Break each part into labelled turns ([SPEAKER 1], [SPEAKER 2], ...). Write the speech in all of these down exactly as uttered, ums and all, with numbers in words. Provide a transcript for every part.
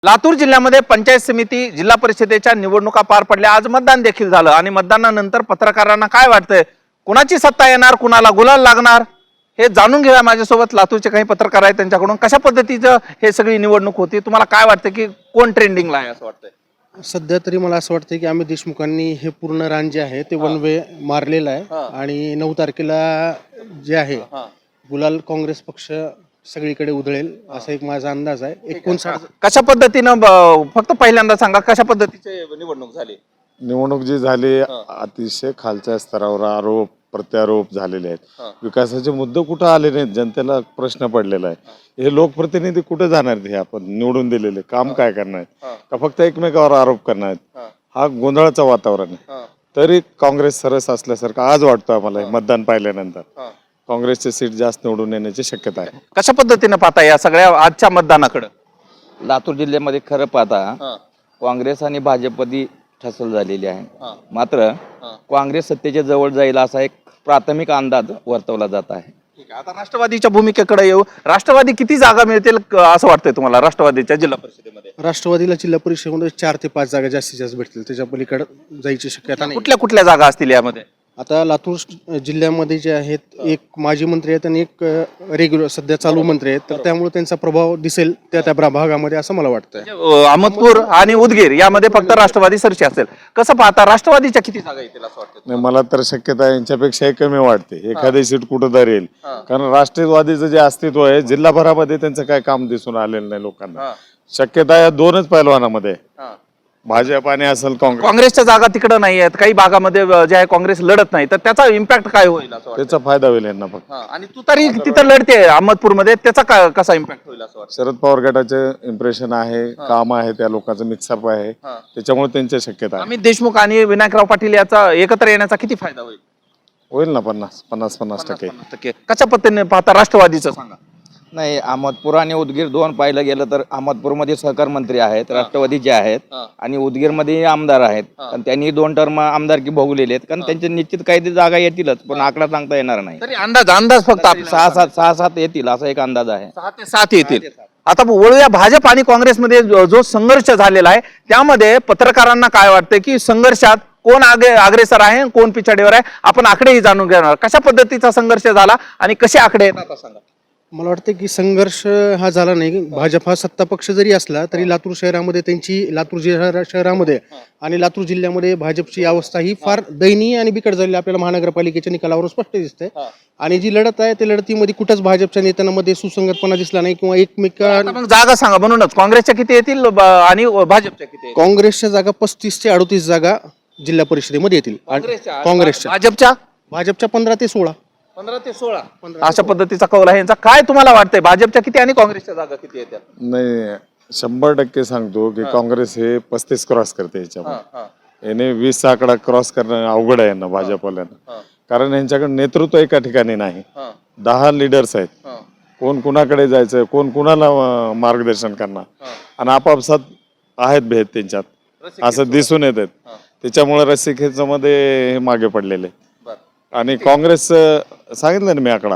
[SPEAKER 1] लातूर जिल्ह्यामध्ये पंचायत समिती जिल्हा परिषदेच्या निवडणुका पार पडल्या। आज मतदान देखील झालं आणि मतदानानंतर पत्रकारांना काय वाटतंय, कुणाची सत्ता येणार, कुणाला गुलाल लागणार हे जाणून घेऊया। माझ्यासोबत लातूरचे काही पत्रकार आहेत, त्यांच्याकडून कशा पद्धतीचं हे सगळी निवडणूक होती, तुम्हाला काय वाटतं की कोण ट्रेंडिंगला आहे असं वाटतंय?
[SPEAKER 2] सध्या तरी मला असं वाटतं की अमित देशमुखांनी हे पूर्ण रान जे आहे ते वन वे मारलेलं आहे आणि नऊ तारखेला जे आहे गुलाल काँग्रेस पक्ष सगळीकडे उधळेल असा एक माझा अंदाज आहे। एकोणसाठ
[SPEAKER 1] कशा पद्धतीनं ब- फक्त पहिल्यांदा सांगा कशा पद्धतीची निवडणूक झाली?
[SPEAKER 3] निवडणूक जी झाली अतिशय खालच्या स्तरावर आरोप प्रत्यारोप झालेले आहेत। विकासाचे मुद्दे कुठं आले नाहीत, जनतेला प्रश्न पडलेला आहे। हे लोकप्रतिनिधी कुठे जाणार आहेत? हे आपण निवडून दिलेले काम काय करणार आहेत का फक्त एकमेकावर आरोप करणार आहेत? हा गोंधळाचं वातावरण आहे। तरी काँग्रेस सरस असल्यासारखं आज वाटतं आम्हाला मतदान पाहिल्यानंतर। काँग्रेसचे सीट जास्त निवडून येण्याची शक्यता आहे।
[SPEAKER 1] कशा पद्धतीनं पाहता या सगळ्या आजच्या मतदानाकडे?
[SPEAKER 4] लातूर जिल्ह्यामध्ये खरं पाहता काँग्रेस आणि भाजपमध्ये ठसल झालेली आहे। मात्र काँग्रेस सत्तेच्या जवळ जाईल असा एक प्राथमिक अंदाज वर्तवला जात आहे।
[SPEAKER 1] ठीक आहे, आता राष्ट्रवादीच्या भूमिकेकडे येऊ। राष्ट्रवादी किती जागा मिळतील क- असं वाटतंय तुम्हाला राष्ट्रवादीच्या जिल्हा परिषदेमध्ये?
[SPEAKER 2] राष्ट्रवादीला जिल्हा परिषदेमध्ये चार ते पाच जागा जास्तीत जास्त भेटतील, त्याच्या पलीकडे जायची शक्यता नाही।
[SPEAKER 1] कुठल्या कुठल्या जागा असतील यामध्ये?
[SPEAKER 2] आता लातूर जिल्ह्यामध्ये जे आहेत, एक माजी मंत्री आहेत आणि एक रेग्युलर सध्या चालू मंत्री आहेत, तर त्यामुळे त्यांचा प्रभाव दिसेल त्या त्या भागामध्ये असं मला वाटतंय।
[SPEAKER 1] अ, अहमदपूर आणि उदगीर यामध्ये फक्त राष्ट्रवादी सरशी असेल। कसं पाहता राष्ट्रवादीच्या किती जागा येतील असं वाटतं?
[SPEAKER 3] नाही, मला तर शक्यता यांच्यापेक्षाही कमी वाटते। एखादी सीट कुठं तरी येईल, कारण राष्ट्रवादीचं जे अस्तित्व आहे जिल्हाभरामध्ये त्यांचं काय काम दिसून आलेलं नाही लोकांना। शक्यता या दोनच पैलवानामध्ये भाजप आणि असेल काँग्रेस।
[SPEAKER 1] काँग्रेसच्या जागा तिकडे नाही आहेत, काही भागामध्ये अ, जे आहे काँग्रेस लढत नाही, तर त्याचा इम्पॅक्ट काय होईल असं वाटतं?
[SPEAKER 3] त्याचा फायदा होईल यांना फक्त।
[SPEAKER 1] हा, आणि तू तरी तिथं लढते अहमदपूरमध्ये, त्याचा काय कसा इम्पॅक्ट होईल असं वाटतं?
[SPEAKER 3] शरद पवार गटाचे इम्प्रेशन आहे, काम आहे, त्या लोकांचं मिक्सअप आहे, त्याच्यामुळे त्यांची शक्यता आहे।
[SPEAKER 1] अमित देशमुख आणि विनायकराव पाटील याचा एकत्र येण्याचा किती फायदा होईल?
[SPEAKER 3] होईल ना पन्नास पन्नास पन्नास टक्के।
[SPEAKER 1] पन्नास टक्के कशा पद्धतीने पाहता राष्ट्रवादीचं सांगा?
[SPEAKER 4] नाही, अहमदपूर आणि उदगीर दोन पाहिलं गेलं तर अहमदपूरमध्ये सहकार मंत्री आहेत राष्ट्रवादीचे आहेत आणि उदगीरमध्ये आमदार आहेत, पण त्यांनी दोन टर्म आमदारकी भोगलेले आहेत, कारण त्यांचे निश्चित काही जागा येतीलच, पण आकडा सांगता येणार नाही।
[SPEAKER 1] तरी अंदाज अंदाज फक्त आपला
[SPEAKER 4] सहा सात सहा सात येतील असा एक अंदाज आहे।
[SPEAKER 1] सहा ते सात येतील। आता वळूया भाजप आणि काँग्रेसमध्ये जो जो संघर्ष झालेला आहे त्यामध्ये पत्रकारांना काय वाटतं की संघर्षात कोण आगे अग्रेसर आहे, कोण पिछाडीवर आहे? आपण आकडेही जाणून घेणार, कशा पद्धतीचा संघर्ष झाला आणि कसे आकडे येतात सांगा?
[SPEAKER 2] मला वाटतं की संघर्ष हा झाला नाही। भाजप हा सत्ता पक्ष जरी असला तरी लातूर शहरामध्ये त्यांची लातूर जिल्हा शहरामध्ये आणि लातूर जिल्ह्यामध्ये भाजपची अवस्था ही फार दयनीय आणि बिकट झालेली आपल्याला महानगरपालिकेच्या निकालावरून स्पष्ट दिसते। आणि जी लढत आहे त्या लढतीमध्ये कुठंच भाजपच्या नेत्यांमध्ये सुसंगतपणा दिसला नाही किंवा एकमेका
[SPEAKER 1] आता मग जागा सांगा, म्हणूनच काँग्रेसच्या किती येतील ब- आणि भाजपच्या किती येतील?
[SPEAKER 2] काँग्रेसच्या जागा पस्तीस ते अडतीस जागा जिल्हा परिषदेमध्ये येतील। काँग्रेसच्या
[SPEAKER 1] भाजपच्या
[SPEAKER 2] भाजपच्या पंधरा ते सोळा
[SPEAKER 1] पंधरा ते सोळा अशा पद्धतीचा कौल आहे यांचा। काय तुम्हाला वाटतंय भाजपच्या किती आणि काँग्रेसच्या जागा किती येतात?
[SPEAKER 3] नाही, शंभर टक्के सांगतो की काँग्रेस हे पस्तीस क्रॉस करते याच्यामध्ये। याने वीस आकडा क्रॉस करणं अवघड आहे यांना भाजपवाल्यांना, कारण यांच्याकडे नेतृत्व एका ठिकाणी नाही। दहा लिडर्स आहेत, कोण कुणाकडे जायचं, कोण कुणाला अं, मार्गदर्शन करणार, आणि आपापसात आहेत भेद त्यांच्यात असं दिसून येत आहेत। त्याच्यामुळे रस्सीखेचामध्ये हे मागे पडलेले। आणि काँग्रेस सांगितलं ना मी आकडा,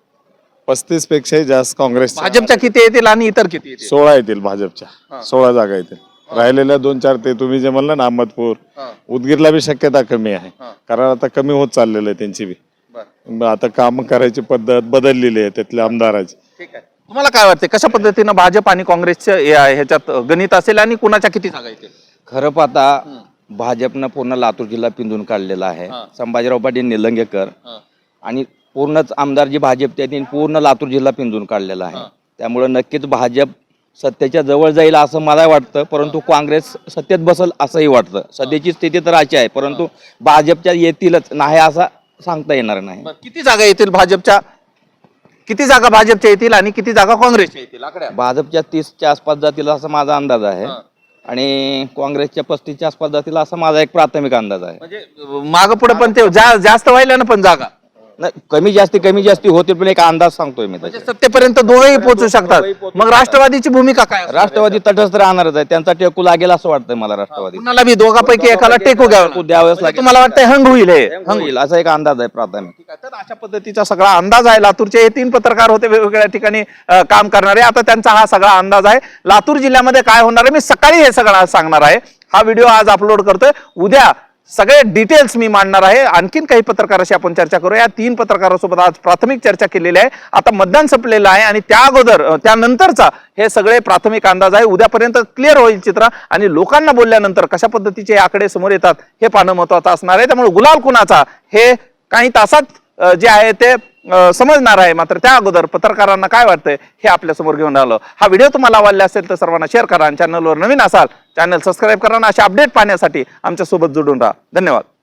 [SPEAKER 3] पस्तीस पेक्षाही जास्त काँग्रेस।
[SPEAKER 1] भाजपच्या किती येतील आणि इतर किती येतील?
[SPEAKER 3] सोळा येतील भाजपच्या, सोळा जागा येतील। राहिलेल्या दोन चार ते तुम्ही जे म्हणलं ना अहमदपूर उदगीरला बी शक्यता कमी आहे, कारण आता कमी होत चाललेलं आहे त्यांची बी। आता काम करायची पद्धत बदललेली आहे त्यातल्या आमदाराची।
[SPEAKER 1] ठीक आहे, तुम्हाला काय वाटतं कशा पद्धतीनं भाजप आणि काँग्रेसचं हे आहे, ह्याच्यात गणित असेल आणि कुणाच्या किती जागा येतील?
[SPEAKER 4] खरं पाहता भाजपनं पूर्ण लातूर जिल्हा पिंजून काढलेला आहे। संभाजीराव पाटील निलंगेकर आणि पूर्णच आमदार जी भाजपचे आहेत, पूर्ण लातूर जिल्हा पिंजून काढलेला आहे। त्यामुळे नक्कीच भाजप सत्तेच्या जवळ जाईल असं मला वाटतं, परंतु काँग्रेस सत्तेत बसल असंही वाटतं। सध्याची स्थिती तर अशी आहे, परंतु भाजपच्या येतीलच नाही असं सांगता येणार नाही।
[SPEAKER 1] किती जागा येतील भाजपच्या? किती जागा भाजपच्या येतील आणि किती जागा काँग्रेसच्या येतील? आकड्या
[SPEAKER 4] भाजपच्या तीसच्या आसपास जातील असा माझा अंदाज आहे आणि काँग्रेसच्या पस्तीसच्या आसपास जातील असा माझा एक प्राथमिक अंदाज आहे।
[SPEAKER 1] म्हणजे माग पुढे पण ते जा- जास्त व्हायला ना पण जागा
[SPEAKER 4] नाही, कमी जास्ती कमी जास्ती होते पण एक अंदाज सांगतोय मी त्याचा.
[SPEAKER 1] सत्तेपर्यंत दोघेही पोहोचू शकतात. मग राष्ट्रवादीची भूमिका काय असणार?
[SPEAKER 4] राष्ट्रवादी तटस्थ राहणारच आहे, त्यांचा टेकू लागेल असं वाटतंय मला. राष्ट्रवादी
[SPEAKER 1] कुणाला बी दोघांपैकी एकाला टेकू घ्यावं
[SPEAKER 4] द्यावंच लागेल.
[SPEAKER 1] तुम्हाला वाटतंय हंग होईल हे?
[SPEAKER 4] हंग होईल असा एक अंदाज आहे प्राथमिक.
[SPEAKER 1] ठीक आहे, तर अशा पद्धतीचा सगळा अंदाज आहे. लातूरचे हे तीन पत्रकार होते वेगवेगळ्या ठिकाणी अ, काम करणारे. आता त्यांचा हा सगळा अंदाज आहे. लातूर जिल्ह्यामध्ये काय होणार आहे मी सकाळी हे सगळं आज सांगणार आहे. हा व्हिडिओ आज अपलोड करतोय. उद्या सगळे डिटेल्स मी मांडणार आहे. आणखीन काही पत्रकाराशी आपण चर्चा करू. या तीन पत्रकारांसोबत आज प्राथमिक चर्चा केलेली आहे. आता मतदान संपलेलं आहे आणि त्या अगोदर अ, त्यानंतरचा हे सगळे प्राथमिक अंदाज आहे. उद्यापर्यंत क्लिअर होईल चित्र आणि लोकांना बोलल्यानंतर कशा पद्धतीचे आकडे समोर येतात हे पाहणं महत्वाचं असणार आहे. त्यामुळे गुलाल कुणाचा हे काही तासात अ, जे आहे ते अ, समजणार आहे. मात्र त्या अगोदर पत्रकारांना काय वाटतंय हे आपल्या समोर घेऊन आलं. हा व्हिडिओ तुम्हाला आवडला असेल तर सर्वांना शेअर करा आणि चॅनलवर नवीन असाल चॅनल सबस्क्राईब करा आणि अशा अपडेट पाहण्यासाठी आमच्या सोबत जोडून राहा. धन्यवाद.